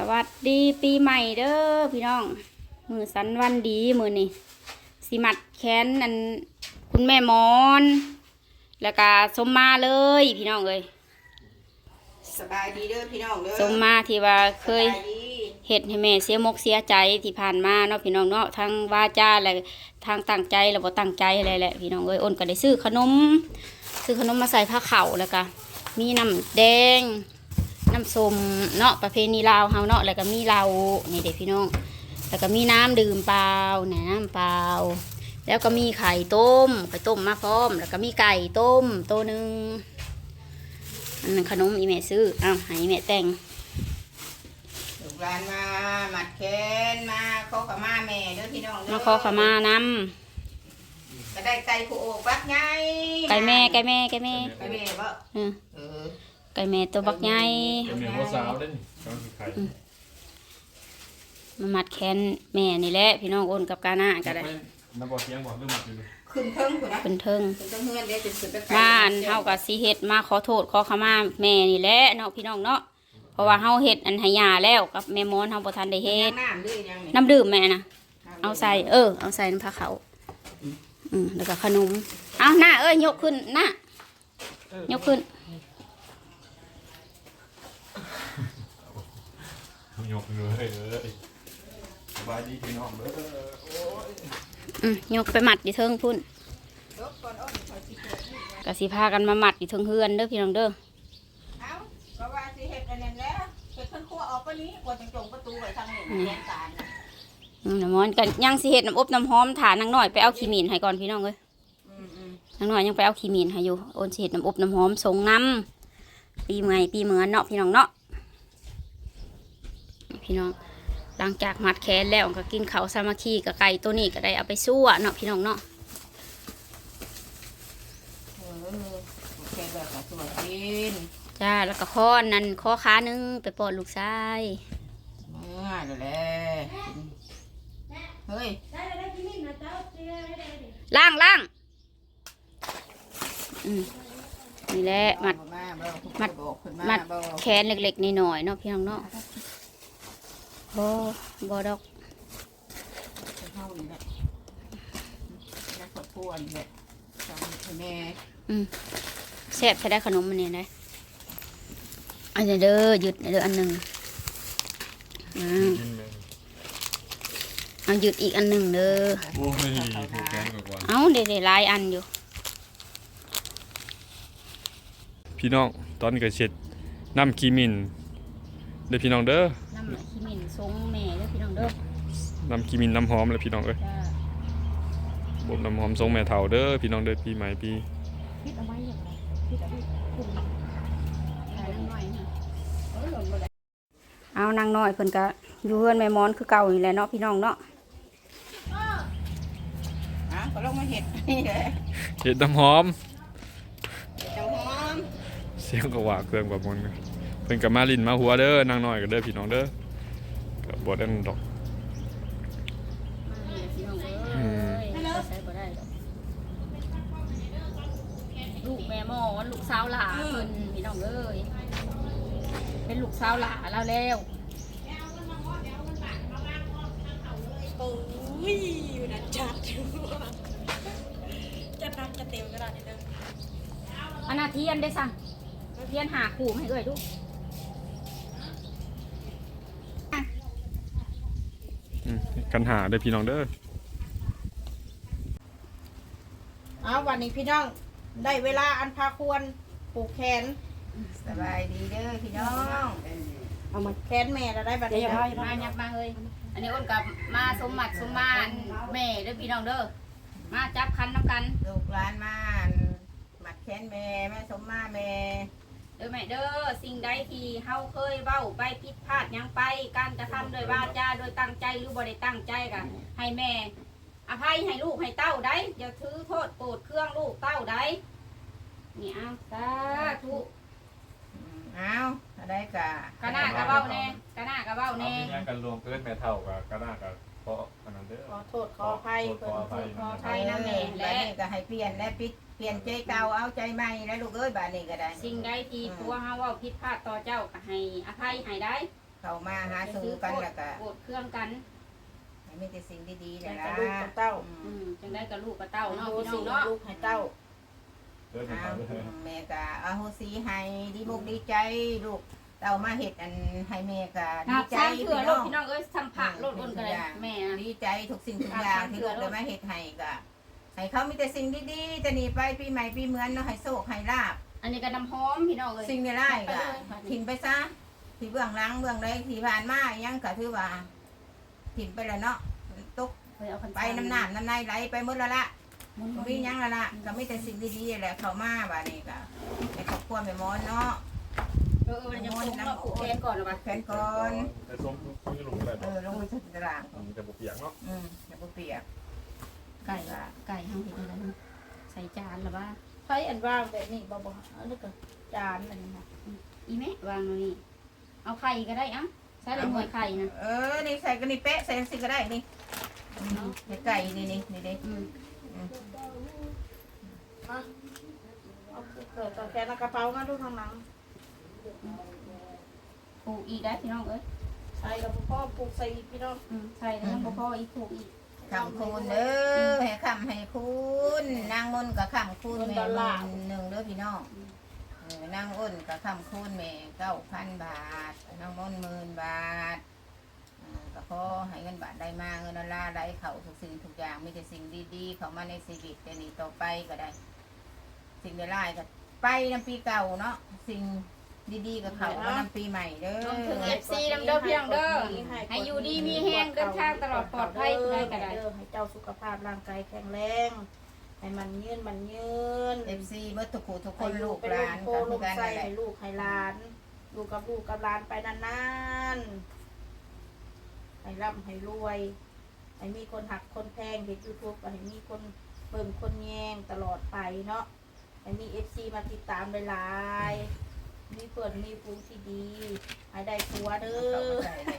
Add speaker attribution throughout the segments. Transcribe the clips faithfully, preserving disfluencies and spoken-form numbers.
Speaker 1: วัสดีปีใหม่เด้อพี่น้องมือสันวันดีมือนี่สิมัดแขนอันคุณแม่มอนแล้วก็สมมาเลยพี่น้องเลย
Speaker 2: สบายดีเด้อพี่น้องเด้อ
Speaker 1: สมมาที่ว่าเคย
Speaker 2: สบายดี
Speaker 1: เฮ็ดให้แม่เสียมกเสียใจที่ผ่านมาเนาะพี่น้องเนาะทั้งว่าจ้าและทางตั้งใจแล้วบ่ตั้งใจอะไรแหละพี่น้องเอ้ยอ้นก็ได้ซื้อขนมซื้อขนมมาใส่ผ้าเข่าแล้วก็มีน้ำแดงน้ำส้มเนาะประเพณีลาวเฮาเนาะแล้วก็มีเหล้านี่เด็กพี่น้องแล้วก็มีน้ำดื่มเปล่าเนี่ยน้ำเปล่าแล้วก็มีไข่ต้มไข่ต้มมาพร้อมแล้วก็มีไก่ต้มตัวหนึ่งอันนั้นขนมอีแม่ซื้ออ้าวให้แม่แต่ง
Speaker 2: ลูกหลานมาหมัดแขนมาขอขมาแม่เด้อพี่น้องเด้อ
Speaker 1: มาขอขมาน
Speaker 2: ำก็ได้ไก่ผู้โอกบักใหญ่
Speaker 1: ำไก่แม่ไก่แม่ไก่แม่
Speaker 2: ไก่แม่บ่
Speaker 1: เออ
Speaker 2: เออ
Speaker 1: ไก่แม่ตัวบักใหญ่
Speaker 3: เป็นเมียพ่อสาวเล่นกำลังไข่
Speaker 1: มามัดแขนแม่นี่แหละพี่น้องโอนกับกาหน้าก็ได้
Speaker 3: น้ำบ่อเสียงบอกเรื่องหมัดอยู่เลย
Speaker 2: ขึ้นเทิงพุ่นนะ
Speaker 1: เป็นเทิง
Speaker 2: ขึ้นเทิงเฮือนเด้อจะขึ้นไปไกล
Speaker 1: บ้านเฮากับสีเฮ็ดมาขอโทษขอขมาแม่นี่แหละเนาะพี่น้องเนาะเพราะว่าเฮาเฮ็ดอันให้ยาแล้วกับแม่มอนเฮาบ่ทันได้เฮ็ด
Speaker 2: น้ำด้วยยังนี่
Speaker 1: น้ำดื่มแม่นะเอาใส่เออเอาใส่น้ำผ้าขาวอืมแล้วก็ขนมเอาหน้าเอ้ยยกขึ้นหน้ายกขึ้น
Speaker 3: ยกเลยเอ้ยสบายดีพี่น้องเด้อโอ้ย
Speaker 1: อืมยกไปมัดอยู่เทิงพุ่น
Speaker 2: ยกก่อนอ้อนขอสิเกิดนี่
Speaker 1: ก็สิพากันมามัดอยู่เทิงเฮือนเด้อพี่น้องเด้อ
Speaker 2: เอ้าก็ว่าสิเฮ็ดอันนั้นแล้วเฮ็ดเพิ่นครัวออกปะนี้กว่าจังจงประตูไว้ทางนี้แดนสารน่ะ
Speaker 1: อืมน้ำมอนกันยังสิเฮ็ดน้ำอบน้ำหอมถ่านางน้อยไปเอาขี้หมีนให้ก่อนพี่น้องเอ้ย
Speaker 2: อืมอืม
Speaker 1: นางน้อยยังไปเอาขี้หมีนให้อยู่โอนสิเฮ็ดน้ำอบน้ำหอมส่งน้ำปีใหม่ปีเหมือนเนาะพี่น้องเนาะพี่น้องหลังจากมัดแขนแล้วก็กินข้าวสามัคคีกับไก่ตัวนี้ก็ได้เอาไปซั่วเนาะพี่น้องเนาะ
Speaker 2: เออโอเคแบบกระสวยกิน
Speaker 1: จ้าแล้วก็ข้อนั่นข้อขาหนึงไปป้อนลูกชาย
Speaker 2: เมื่อนั่นแหละเฮ้ย
Speaker 1: ล่างล่างอืมนี่แหละมัด
Speaker 2: มาบ่
Speaker 1: มัด
Speaker 2: บอกเพิ่น
Speaker 1: มั
Speaker 2: มา
Speaker 1: ด
Speaker 2: บ่
Speaker 1: แขนเล็กๆหน่อยๆเนาะพี่น้องเนาะโอ้บ่ดอก
Speaker 2: เฮานี่แหละแล้วครอบครัวนี่แหละสามีให้แม่
Speaker 1: อืมแซ่บใช้ได้ขนมมันนี่นะอันนี้เด้อหยุดเด้ออันหนึ่งอืม
Speaker 3: กินเลย
Speaker 1: เอาหยุดอีกอันหนึ่งเด้อ
Speaker 3: โอ้ยผูกแขนกว่า
Speaker 1: เอาเดี๋ยวๆหลายอันอยู่
Speaker 3: พี่น้องตอนนี้ก็เช็ดน้ำกีมินเด้อพี่น้องเด้อ
Speaker 1: น้ำขี้หมิ่นทรงแม่เด้อพี่น้องเด้อ
Speaker 3: น้ำกีมินน้ำหอมเลยพี่น้องเอ้ย
Speaker 1: จ้า
Speaker 3: บ่มน้ำหอมทรงแม่เฒ่าเด้อพี่น้องเด้อปีใหม่ปี
Speaker 1: พิดเอาไว้อย่างไรพิดเอาไว้คุมถ่ายนางน้อยนะเอานางน้อยเพิ่นก็อยู่เฮือนแม่มอนคือเก่านี่แหละเนาะพี่น้องเนาะ
Speaker 2: อ่ะก็ลงมาเฮ็ดนี่แหละ
Speaker 3: เฮ็ดน้ำหอม
Speaker 2: จังหอม
Speaker 3: เสียงก็ว่าเครื่องกว่ามนต์เพิ่นก็มาลิ้นมาหัวเด้อนางน้อยก็เด้อพี่น้องเด้อก็บ่ได้ดอก อืม
Speaker 1: ใช้บ่ได้ดอกลูกแม่หมอนลูกสาวหลาเพิ่นพี่น้องเอ้ยเป็นลูกสาวหลาแล้วแล้ว
Speaker 4: โอ้ยอยู่นะจัดอยู่จะนักจะเต็มกระดาษนิดนึง
Speaker 1: อันนาเทียนได้สั่งเทียนหาขู่ให้เอ้ยดู
Speaker 3: อืมกันหาเด้อพี่น้องเด้อ
Speaker 2: เอาวันนี้พี่น้องได้เวลาอันพาควรปลูกแขนสบายดีเด้อพี่น้องเอามาแขนแม่เราได้บัดนี้
Speaker 1: มายับมาเฮ้ยอันนี้อ้นกับมาสมมัดสมมานแม่เด้อพี่น้องเด้อมาจับคันน้ำกัน
Speaker 2: ลูกหลานมาหมัดแขนแม่แม่สมมาแม่
Speaker 1: เด้อแม่เด้อสิ่งใดที่เฮาเคยเว้าไปผิดพลาดหยังไปการกระทำโดยวาจาโดยตั้งใจหรือบ่ได้ตั้งใจก็ให้แม่อภัยให้ลูกให้เต้าได้อย่าถือโทษโกรธเครื่องลูกเต้าได้นี่เอาสาธุ
Speaker 2: อืมเอาอะไรกะ
Speaker 1: กะหน้ากะเว้าแน่กะหน้ากะเว้า
Speaker 3: เอา
Speaker 1: แน่
Speaker 3: มีหยังกันรวมเกินแม่เฒ่าก็ก็น่าก็เพราะอันนั้นเด้อ
Speaker 2: ขอโทษขออภัย
Speaker 3: ขออภัย
Speaker 2: ขออภัยนะแม่และนี่ก็ให้เปลี่ยนและปิดเปลี่ยนใจเก่าเอาใจใหม่แล้วลูกเอ้ยบาดนี้ก็ได้
Speaker 1: สิ่งใดที่ตัวเฮาเว้าผิดพลาดต่อเจ้าก็ให้อภัยให้ได้
Speaker 2: เข้ามาหาสู่กันแล้วก็
Speaker 1: โกรธเครื่องกัน
Speaker 2: ให้มีแต่สิ่งดีๆ
Speaker 4: แต่
Speaker 2: นะ
Speaker 4: กระลูกกับเต้า
Speaker 1: อืมจังได้กับลูกกับเต้า
Speaker 4: เอา
Speaker 1: เนาะ
Speaker 4: โห
Speaker 1: พี่น้
Speaker 4: สิ
Speaker 1: องเนาะ
Speaker 4: ลูกให้เต้า
Speaker 3: เด้อ
Speaker 2: อ้าว
Speaker 3: เด้อ
Speaker 2: แม่ก็อโหสิให้ดีมุกดีใจลูกเต้ามาเฮ็ดอันให้แม่ก็
Speaker 1: ครั
Speaker 2: ดี
Speaker 1: บ
Speaker 2: ใจ
Speaker 1: สร้างเถื่อ
Speaker 2: พี่
Speaker 1: ลู
Speaker 2: น้
Speaker 1: ก
Speaker 2: อง
Speaker 1: พี่น้องเอ้ยทำผักโลดอ้นกันเลยแม่อะ
Speaker 2: ดีใจทุกสิ่งทุกอย่างที่ลูกได้มาเฮ็ดให้ก็ให้เขามีแต่สิ่งดีๆจะหนีไปปีใหม่ปีเหมือนเนาะให้โชคให้ลาบ
Speaker 1: อันนี้ก็น้ำหอมพี่น้องเอ้ย
Speaker 2: สิ่งในไร่ก็ถิ่นไปซะที่เบื้องหลังเบื้องใดที่ผ่านมายังก็ถือว่าถิ่นไปแล้วเนาะตก
Speaker 1: เคยเอาคัน
Speaker 2: ไปน้ำหนามน้ำในไหลไปหมดแล้วละ
Speaker 1: มุน
Speaker 2: บ่มีหยังแล้วละก็มีแต่สิ่งดีๆแหละเข้ามาบัดนี้ก็ในครอบครัวแม่มอนเนาะ
Speaker 1: เออเออมันจะส่งมาผูกแขนก่อนหรอวะ
Speaker 2: แขนก่อน
Speaker 3: แต่ส้มส้มจะลงอะไร
Speaker 2: เอ
Speaker 3: บ่
Speaker 2: อลงไปที่ตาราง
Speaker 3: มันจะบ่เปียกเนาะ
Speaker 2: อืมอย่าบ่เปียก
Speaker 1: ไก่ไก่ห้างเห็ดอะไรนะใส่จานหรือว่า
Speaker 4: ไผอันว่างแบบนี้บ่บ่อันนี้ก็จานอันนี้นะ
Speaker 1: อีแม่วางตรงนี้เอาไข่ก็ได้อ่ะใส่เลยหน่วยไข่นะ
Speaker 2: เออนี่ใส่กันนี่เป๊ะใส่จังซี่ก็ได้นี่อืมให้ไก่นี่นี่นี่เด้
Speaker 1: อืม
Speaker 4: มาเอาเกิดต่อแขนกระเป๋ามาดูทางหลัง
Speaker 1: ผูกอีกได้พี่น้องเอ้ย
Speaker 4: ใส่กับพ่อปลูกใส่อีกพี่น้อง
Speaker 1: อืมใส่แล้วก็พออีกผูกอีก
Speaker 2: คำคูณเด้อให้คำให้คุณนางมนต์กับคำคูณแม่หมื่นหนึ่งเด้อพี่น้องเออนางอ้นกับคำคูณแม่เก้าพันบาทนางมนต์หมื่นบาทอ่าก็ขอให้เงินบาทได้มาเงินดอลลาร์ได้เขาทุกสิ่งทุกอย่างมีแต่สิ่งดีๆ เข้ามาในชีวิตแต่นี้ต่อไปก็ได้ สิ่งใดๆก็ไปน้ำปีเก่าเนาะสิ่งดีๆกับเขามาน้ำปีใหม่เด้อ
Speaker 1: รวมถึง เอฟ ซี นำเด้อพี่น้องเด้อให้อยู่ดีมีแห้งเดินทางตลอดปลอดภัยผู้ใดก็ได้
Speaker 4: เด้อให้เจ้าสุขภาพร่างกายแข็งแรง ให้มันยืนมันยืน
Speaker 2: เอฟซีเบิร์ตทุกคู่ทุกคน
Speaker 4: ให้
Speaker 2: ลูก
Speaker 4: เป็น
Speaker 2: ห
Speaker 4: ลู
Speaker 2: ลาก น
Speaker 4: โต
Speaker 2: กัน
Speaker 4: ลู
Speaker 2: คือก กัน
Speaker 4: ใส่
Speaker 2: นั่นแหละ
Speaker 4: ให้ลูกให้หลานอยู่กับลูกกับหลานไปนานๆให้ร่ำให้รวยให้มีคนหักคนแพงเห็นยูทูบให้มีคนเบิ่งคนแยงตลอดไปเนาะให้มีเอฟซีมาติดตามหลายๆมีเพื่อนมีฟูงที่ดีให้ได้ผัวเด้อ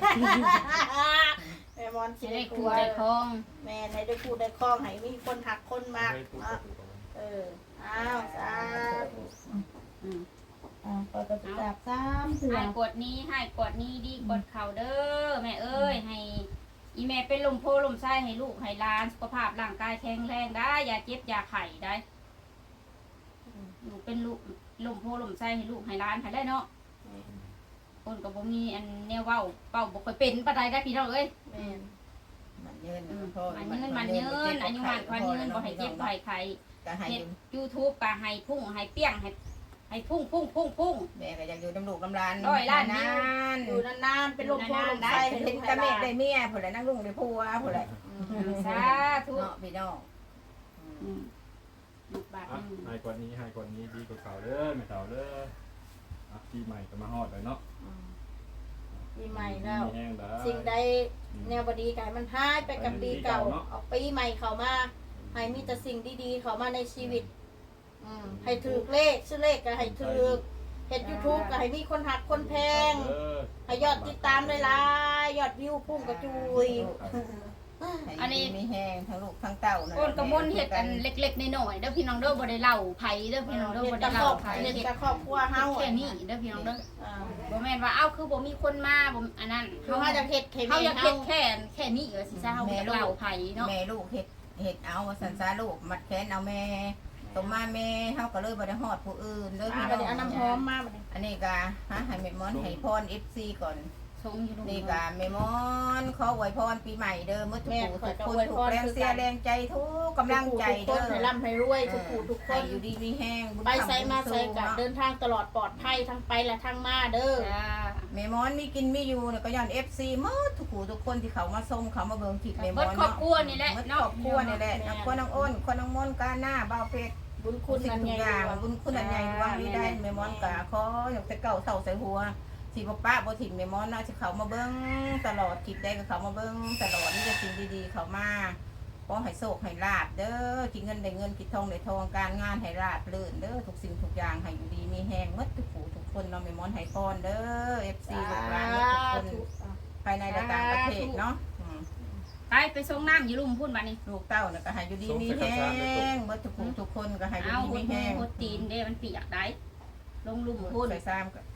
Speaker 4: แม่มอนสิ
Speaker 1: จะ
Speaker 4: ได้
Speaker 1: ได้
Speaker 4: ผั
Speaker 1: คู่
Speaker 4: ว
Speaker 1: ได้คล้อง
Speaker 4: แม่ให้ได้พูดได้คล้องให้มีคนหักคนมาก
Speaker 3: ให้พูด
Speaker 4: เนาะ
Speaker 3: กับกูก่อน
Speaker 4: เอออ้าวสาธุ
Speaker 1: อืม
Speaker 4: อ่าเปิดกระจาบสามเถื่อ
Speaker 1: ให้กดนี้ให้กดนี้ดีกดเข่าเด้อแม่เอ้ยให้อีแม่เป็นลมโพลมไส้ให้ลูกให้หลานสุขภาพร่างกายแข็งแรงได้อย่าเจ็บอย่าไข้ได้อยู่เป็นลูกลมโพลมไส้ให้ลูกให้หลานให้ได้เนาะคนก็บ่มีอันแนวเว้าเป้าบ่ค่อยเป็นปานใดได้พี่น้องเอ้ย
Speaker 4: แม่น
Speaker 2: มันเยิน
Speaker 1: อืม
Speaker 2: พ่อ
Speaker 1: มันยืนมันยืนอายุมันควันยืนบ่ให้เจ็บบ่ให้ไข้
Speaker 2: ก็ให้
Speaker 1: เฮ็
Speaker 2: อ
Speaker 1: ด
Speaker 2: ยู่
Speaker 1: YouTube ก็ให้พุ่งให้เปี้ยงให้ให้พุ่งพุ่งพุ่งพุ่ง
Speaker 2: แม่ก็อยากอยู่น้ำลูกน้ำร้าน
Speaker 1: ร้อยล้านวิ
Speaker 2: นาว น
Speaker 4: อยู่นานๆเป็นลมโพลมไส้ให้
Speaker 2: เห็
Speaker 4: ลู
Speaker 2: น
Speaker 4: ก
Speaker 2: ตะ
Speaker 4: ให้ห
Speaker 2: เม็ด
Speaker 4: ลาน
Speaker 2: ได้เมียผู้ใดนั่งลุงได้ผัวผู้ใด
Speaker 1: สาธุ
Speaker 2: เนาะพี่น้องอื
Speaker 1: อื
Speaker 2: ม
Speaker 1: มลูกบาท
Speaker 3: อ่ะ
Speaker 1: หนึง
Speaker 3: ให้กว่านี้ให้กว่านี้ดีกว่าเก่าเด้อไม่เก่าเด้ออ่ะปีใหม่ก็มาฮอดเลยเนาะ
Speaker 4: อืมปีใหม่แล้ว
Speaker 3: มีแห้งได้
Speaker 4: สิ่งใดแนวบดีกายมันหายไปกับปีเก่าเอาปีใหม่เข้ามาให้มีแต่สิ่งดีๆเข้ามาในชีวิตอืมให้ถือเลขชื่อเลขก็ให้ถือเห็นยูทูบก็ให้มีคนหักคนแพง
Speaker 3: เด้อ
Speaker 4: ให้ยอดติดตามหลายๆยอดวิวพุ่งกระจุย
Speaker 2: อันนี้มีแห้งทั้งลูกทั้งเต้านั่น
Speaker 1: โอนกระมนเฮ็ดอันเล็กๆน้อยๆเด้อพี่น้องเด้อบ่ได้เล่าไผเด้อพี่น้องเด้อ
Speaker 4: เห็น
Speaker 1: บ่
Speaker 4: กั
Speaker 1: ได้
Speaker 4: บคร
Speaker 1: เล่า
Speaker 4: อบ
Speaker 1: ไผ
Speaker 4: เห็น
Speaker 1: เฮ็ด
Speaker 4: กับครอบครัวเฮา
Speaker 1: แค่นี้เด้อพี่น้องเด้อ
Speaker 4: อ่า
Speaker 1: บ่แม่นว่าเอ้าคือบ่มีคนมาบ่อันนั้น
Speaker 4: คือเฮาจะเฮ็ดให้
Speaker 1: เฮา
Speaker 4: แม่
Speaker 1: อยาก
Speaker 4: เฮา
Speaker 1: เฮ็ดแค่แค่นี้ก็สิซะเฮาบ่อยากเล่าไผเนาะ
Speaker 2: แม่ลูกเห็ดเห็ดเอาว่าสันซาลูกมัดแขนเอาแม่ตรงมาแม่เฮาก็เลยบ่ได้ฮอดผู้อื่นเด้อ
Speaker 4: อ่า
Speaker 2: พี่
Speaker 4: บัดนี้
Speaker 2: น้
Speaker 4: เอา
Speaker 2: อง
Speaker 4: น้ำหอมมาบัดนี้
Speaker 2: อันนี้ก็ฮะให้แม่มอนให้พร เอฟ ซี ก่อน
Speaker 1: ชงอยู่ลูก
Speaker 2: นี่ก็แม่มอนขออวยพรปีใหม่เด้อมื้อทุกผู้ทุกคนทุกแรงเสียแรงใจทุกกำลังใจ
Speaker 4: ทุกค
Speaker 2: เด้
Speaker 4: น
Speaker 2: อ
Speaker 4: ให้ร่ำให้รวยทุกผู้ทุกค
Speaker 2: ให้
Speaker 4: น
Speaker 2: อยู่ดีมีแห้งบุญ
Speaker 4: ไป
Speaker 2: คำ
Speaker 4: ไสมาไส
Speaker 2: บุญ
Speaker 4: กั
Speaker 2: สู้
Speaker 4: เดินทางตลอดปลอดภัยทั้งไปและทั้งมาเด้อ
Speaker 1: จ้า
Speaker 2: แม่มอนมีกินมีอยู่เนี่ยก็ย้อน เอฟ ซี หมดทุกผู้ทุกคนที่เขามาชมเขามาเบิ่งคลิปแม่ม
Speaker 1: เบิ
Speaker 2: อ
Speaker 1: ด
Speaker 2: น
Speaker 1: ครอบ
Speaker 2: เนาะ
Speaker 1: ครัวนี่แหละ
Speaker 2: หมดคร
Speaker 1: เนาะ
Speaker 2: อบครัวนี่แหละน้ำคนน้องอ้นคนน้องมนต์กาหน้าบ่าวเป็ด
Speaker 4: บุญ
Speaker 2: คุ
Speaker 4: คุณ ณ
Speaker 2: สิ่ง
Speaker 4: นัน
Speaker 2: ทุ
Speaker 4: ให
Speaker 2: ก
Speaker 4: ญ่
Speaker 2: อย่างบุญคุณอันใหญ่ดวงนี้ได้แม่มอนกะขออยากจะเก่าเต่าใส่หัวสิบ่ป้าบ่ถิ่มแม่มอนน่าจะเขามาเบิ่งตลอดคลิปได้ก็เขามาเบิ่งตลอดนี่จะสิ่งดีๆเขามาขอให้โชคให้ลาบเด้อกินเงินได้เงินกินทองได้ทองการงานให้ราบรื่นเด้อทุกสิ่งทุกอย่างให้อยู่ดีมีแห้งหมดทุกผู้ทุกคนเนาะแม่มอนให้พรเด้อ เอฟ ซี ลูกหลานหมดทุกคนภายในและต่างประเทศเนาะอืม
Speaker 1: ไปไปส่งน้ำอยู่ลุ่มพุ่นบัดนี้
Speaker 2: ลูกเต้าเนี่ยก็ให้อยู่ดีมีแห้งหมดทุกผู้ทุกคนก็ให้อยู่
Speaker 1: เอา
Speaker 2: ดี
Speaker 1: หุ่
Speaker 2: มี
Speaker 1: น
Speaker 2: แห้ง
Speaker 1: หุ่นตีนเด้มันเปียกได้ลงลุ่มพุ่น
Speaker 2: ใส่ซ้ำก็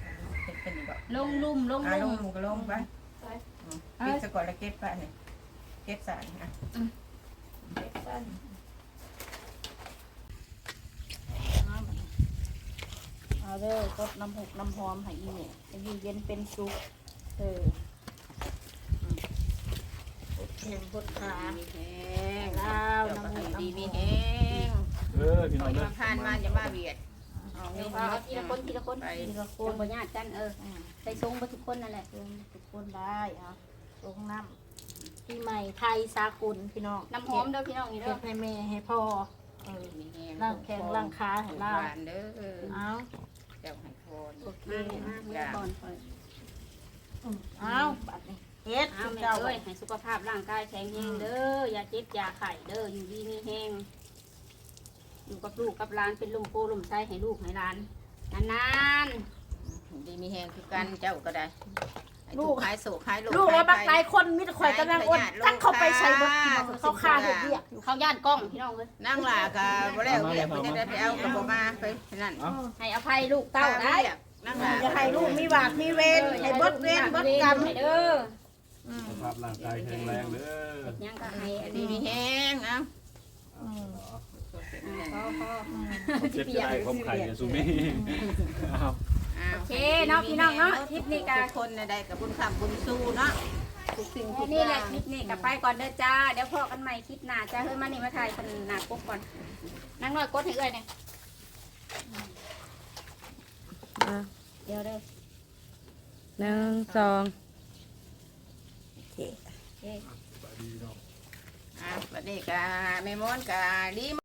Speaker 2: เป็นเป็นแบบ
Speaker 1: ลงลุ่มลง
Speaker 2: อ่ะล
Speaker 1: ลุ่
Speaker 2: ง
Speaker 1: ม
Speaker 2: หมูก็ลงไป
Speaker 4: ไป
Speaker 2: อืมปิดสะกดแล้วเก็บไปนี่เก็บสารนะ
Speaker 4: เด็กกันเอาเด้อกดน้ำหกน้ำหอมให้อีเนี่ยจะอยู่เย็นเป็นสุขเอออืมกดแขนกดขา
Speaker 2: มีแห้ง
Speaker 4: ลาว
Speaker 2: เจ้าก็
Speaker 4: น้ำห
Speaker 2: ให้
Speaker 4: ก
Speaker 2: ดี
Speaker 4: น้ำห
Speaker 2: มี
Speaker 4: อม
Speaker 2: แห้ง
Speaker 3: เออพี่น้อง
Speaker 2: ค
Speaker 3: เด้อ
Speaker 2: นผ่านมาจะมาเบียดเอา
Speaker 1: เดี๋
Speaker 2: เงี้
Speaker 1: ย
Speaker 2: ยว
Speaker 1: เอาทีละคนทีละคน
Speaker 2: ไป
Speaker 4: ทีละค
Speaker 1: คน
Speaker 4: น
Speaker 1: บ่ญาติกันเออ
Speaker 4: อ่า
Speaker 1: ใส่ทรงบ่ทุกคนนั่นแหละ
Speaker 4: เติมทุกคนได้เอาลงน้ำปีใหม่ไทยสากลพี่น้อง
Speaker 1: น้ำหอมเด้อพี่น้องนี่
Speaker 4: เก็
Speaker 1: เด้อ
Speaker 4: บให้แม่ให้พ่อเออ
Speaker 2: มีแห้ง
Speaker 4: ร่างแข็งร่างขาให้เรา
Speaker 2: หวานเด้อ
Speaker 4: เอา
Speaker 2: เจ้าให้พร
Speaker 4: โอเค
Speaker 1: มามาเมื่อก่อนคอย
Speaker 4: อืมเอาบัดนี้เฮ็ด
Speaker 1: เอา
Speaker 4: คุณ
Speaker 1: แม่
Speaker 4: เจ้า
Speaker 1: เอ้ยให้สุขภาพร่างกายแข็งแรงเด้ออย่าเจ็บอย่าไข้เด้ออยู่ดีมีแห้งอยู่กับลูกกับหลานเป็นลมโพลมไส้ให้ลูกให้หลานนาน
Speaker 2: ดีมีแห้งคือกันเจ้าก็ได้ให้ถูขายโศกขายโล
Speaker 4: ลูกแล้วบัก
Speaker 2: ขาย
Speaker 4: หลายคนมีแต่ข่อยกำลังอ้นตั้งเขาไปใส่บดที่มันเขาฆ่าเห็ดเบียกอยู่
Speaker 1: ๆเขาย่านกล้องพี่น้องเอ้ย
Speaker 2: นั่งหลากะบ่แล้วเรียกไปได้ไปเอากระบอกมาไปนั่น
Speaker 1: ให้อภัยลูกเต้าได้
Speaker 2: นั่งหลา
Speaker 4: จะให้ลูกมีบาปมีเวรให้บดเวรบดกรรม
Speaker 1: ให้เด้อ
Speaker 4: อืม
Speaker 3: สภาพร่างกายแข็งแรงเด้อ
Speaker 1: ยังก็ให้อัน
Speaker 2: ดี
Speaker 1: นี้
Speaker 2: มีแห้งเอา
Speaker 4: อืม
Speaker 1: พอพอ
Speaker 4: อืม
Speaker 3: เจ็บจะได้ความไข่เนี่ยซูมี่เอา
Speaker 1: โอเคเนาะพี่น้องเนาะคลิปนี้ก็
Speaker 2: ทุกคนได้กับบุญคำบุญสู้เนาะทุกสิ่งทุก
Speaker 1: นี่
Speaker 2: อ
Speaker 1: แหละ
Speaker 2: ย่าง
Speaker 1: คลิปนี้กับไปก่อนเด้อจ้าเดี๋ยวพอกันใหม่คลิปหน้าจ้าเฮ้ยมานี่มาถ่ายเป็นหน้าปุ๊บก่อนนั่งน้อยกดให้เอ้ยเนี่ยเดี๋ยวเด้อหนึ่งสองโอเค
Speaker 2: อ่ะวันนี้กะแม่มอนกะดี